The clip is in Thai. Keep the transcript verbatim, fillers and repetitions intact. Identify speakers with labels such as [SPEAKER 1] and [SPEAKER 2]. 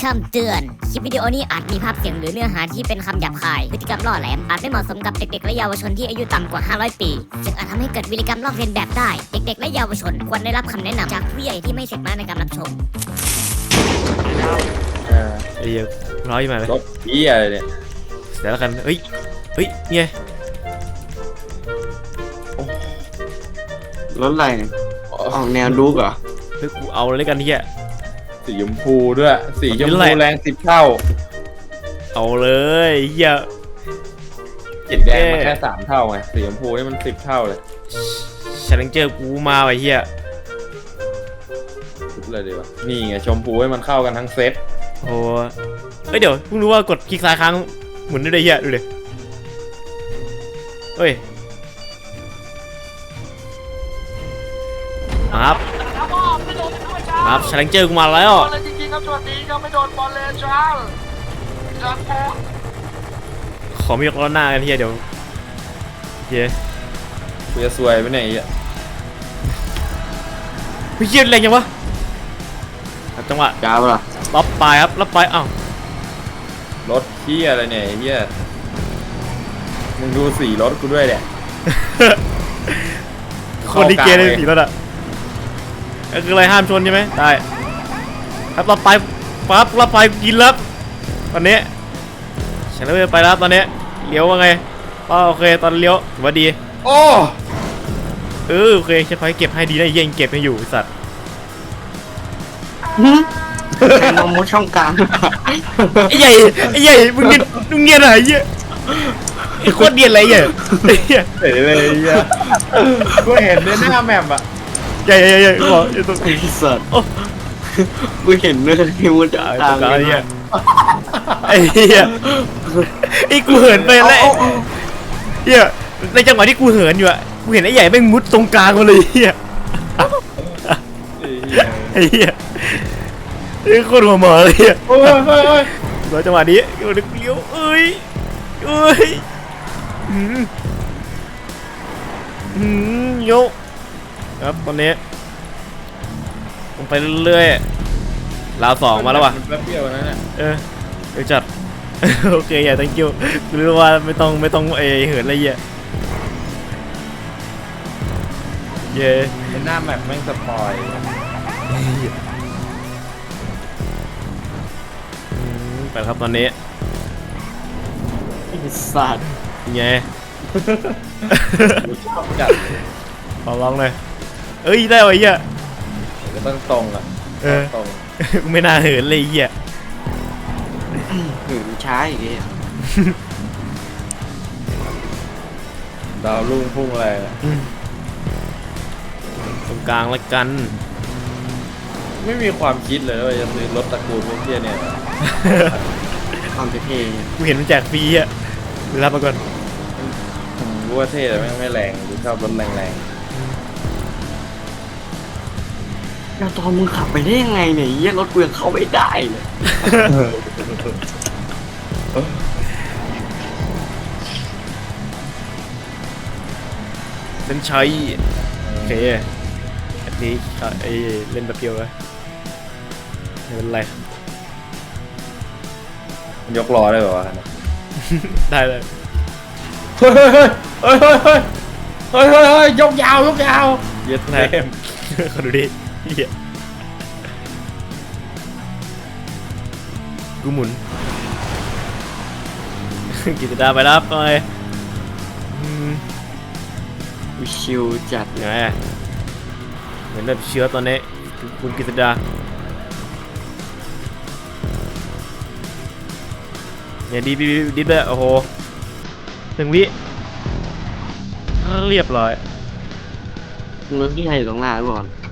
[SPEAKER 1] คำเตือนคลิปวิดีโอนี้อาจมีภาพเสียงหรือเนื้อหาที่เป็นคำหยาบคายพฤติกรรมล่อแหลมอาจไม่เหมาะสมกับเด็กๆและเยาวชนที่อายุต่ำกว่าห้าร้อยปีซึ่งอาจทำให้เกิดวิริกรรมลอกเลียนแบบได้เด็กๆและเยาวชนควรได้รับคำแนะนำจากผู้ใหญ่ที่ไม่เสร็จมาในการรับชม
[SPEAKER 2] เออ
[SPEAKER 3] ไอ้เหี้ยร้อยมาเลย
[SPEAKER 2] รถเหี้ยอะไรเนี่ย
[SPEAKER 3] เสร็จแล้วกันเฮ้ยเฮ้ยเนี่ย
[SPEAKER 4] รถอะไรออกแนวลูกเหรอ
[SPEAKER 3] เฮ้ยกูเอาเลยกันเฮีย
[SPEAKER 2] สีชมพูด้วยสีชม
[SPEAKER 3] เป็น
[SPEAKER 2] พู
[SPEAKER 3] ไร
[SPEAKER 2] แรงสิบเท่า
[SPEAKER 3] เอาเลยเฮีย
[SPEAKER 2] สีแดงมันแค่สามเท่าไงสีชมพูนี่มันสิบเท่าเลย
[SPEAKER 3] ชาเลนเจอร์กูมาไอ้เฮีย
[SPEAKER 2] สุดเลยดีวะนี่ไงชมพูให้มันเข้ากันทั้งเซต
[SPEAKER 3] โอ้เฮ้ยเดี๋ยวเพิ่งรู้ว่ากดคลิกซ้ายค้างหมุนได้เลยเฮียดูดิเฮ้ยมาครับมาครับชาเลนเจอร์กูมาแล้ว
[SPEAKER 5] จริงๆครับสวัสดีครับไม่โดนบอลเลยจ้าจัดโป๊
[SPEAKER 3] ขอมียกล้อหน้ากันเฮียเดี๋ยวเฮีย
[SPEAKER 2] กูจะซวยไปไหนอ่ะ
[SPEAKER 3] เฮ้ยเฮียแรงยังวะครับจังหวะ
[SPEAKER 4] จ้าวล่ะ
[SPEAKER 3] รับปลายครับรับปลายอ้าว
[SPEAKER 2] รถเหี้ยอะไรเนี่ยไอ้เหี้ยมึงดูสีรถกูด้วยเนี่ย
[SPEAKER 3] คนที่เกย์เลยสีแล้วอ่ะก็คืออะไรห้ามชนใช่ไหมได้ครับรับปลายปั๊บรับปลายกินแล้วตอนนี้ฉันเลยไปแล้วตอนนี้เลี้ยวว่าไงอ๋อโอเคตอนเลี้ยวถือว่าดี
[SPEAKER 2] โอ้
[SPEAKER 3] เออโอเคจะคอยเก็บให้ดีนะเยังเก็บให้อยู่ไอ้สัตว์
[SPEAKER 4] ใช้นมมดช่องกลาง
[SPEAKER 3] ไอ้ใหญ่ไอ้ใหญ่มึงเนียนมึงเนียนอะไรเหี้ยไอ้โคตรเนียนอะไรเหี้ยไอ้เหี้ย
[SPEAKER 2] เสร็จเลยไอ้เหี้ยกูเห็นในหน้าแมปอ่ะ
[SPEAKER 3] ใหญ่ใหญ่ใหญ่บอกไอ้ตัว
[SPEAKER 4] ไอ้สัตว์
[SPEAKER 3] โอ้
[SPEAKER 4] กูเห็นเนื้อที่มันจะ
[SPEAKER 3] ไอ้
[SPEAKER 4] กลา
[SPEAKER 3] ตัว
[SPEAKER 4] ง
[SPEAKER 3] ไอ้
[SPEAKER 4] เล
[SPEAKER 3] เหี้
[SPEAKER 4] ย
[SPEAKER 3] ยไอ้เหี้ยไอ้กูเหินไปแล้วเหี้ยในจังหวะที่กูเหินอยู่อะกูเห็นไอ้ใหญ่แม่งมุดตรงกลางมาเลยเหี้ย
[SPEAKER 2] ไอ้เหี้ย
[SPEAKER 3] ไอ้เหี้ยไอ้โคตรหัวหมอเลยเหี้ย
[SPEAKER 2] โอ้ยเฮ้ยเฮ้ย
[SPEAKER 3] แล้วจังหวะนี้กูนึกเลี้ยวเอ้ยเอ้ยอืมอืมโยกครับตอนนี้ลงไปเรื่อยๆราวสองมาแล้วว่ะ
[SPEAKER 2] นแป๊บเดียวนะเนี่ย
[SPEAKER 3] เออเดี๋ยวจัด โอเคอย่า thank you กูรู้ว่าไม่ต้องไม่ต้องเอเหินอะไรเงี้ยเย่
[SPEAKER 2] ในหน้าแมปแม่งสปอย
[SPEAKER 3] อืมไปครับตอนนี้
[SPEAKER 4] ไอ้สัตว์
[SPEAKER 3] ไง
[SPEAKER 2] กูชอบจัด
[SPEAKER 3] ขอร้องเลยเอ้ยได้ไวะเหี้ย
[SPEAKER 2] ก็ต้องตรงอ่ะ
[SPEAKER 3] เออ
[SPEAKER 2] ตรง
[SPEAKER 3] กูไม่น่าเหินเลยไอ้เหี้ย
[SPEAKER 4] หืมช้าอีกแล้ว
[SPEAKER 2] ดาวรุ่งพุ่งอะไรอะ
[SPEAKER 3] อืมตรงกลางละกัน
[SPEAKER 2] ไม่มีความคิดเลยว่าจะซื้อรถตระกูลพวกเที่ยเนี่ย
[SPEAKER 4] ความเท่
[SPEAKER 3] กูเห็นมันแจกฟรีอ่ะรับมาก่อน
[SPEAKER 2] ผมรู้ว่าเท่แต่แม่งไม่แรงกูชอบรถแรง
[SPEAKER 4] ๆแล้วตอนมึงขับไปได้ยังไงเนี่ยเยี่ยรถกูยังเข้าไม่ได้เลย
[SPEAKER 3] เส้นชัยโอเคอันนี้ก็ไอเล่นแบบเดียวเลยไม่เป็นไร
[SPEAKER 2] ๆมันยกล้อได้ป่าวะ
[SPEAKER 3] ได้เลย
[SPEAKER 2] เฮ้ยเฮ้ยเฮ้ยเฮ้ยเฮ้ยเฮ้ยเฮ้ยยกยาวยกยาวเย็ด
[SPEAKER 3] นะ
[SPEAKER 2] เต็ม
[SPEAKER 3] ขอดูดิเหี้ยกูหมุน กิจดาไปแล้วไปอืม
[SPEAKER 4] กูชิวจัด
[SPEAKER 3] ไงอะเหมือนแบบเชื้อตอนนี้คุณกิตดาเนี่ยดีดีดีเลยโอ้โหหนึ่งวิเรียบร้อย
[SPEAKER 4] มึงที่ใครอยู่ตรงหน้าก่อน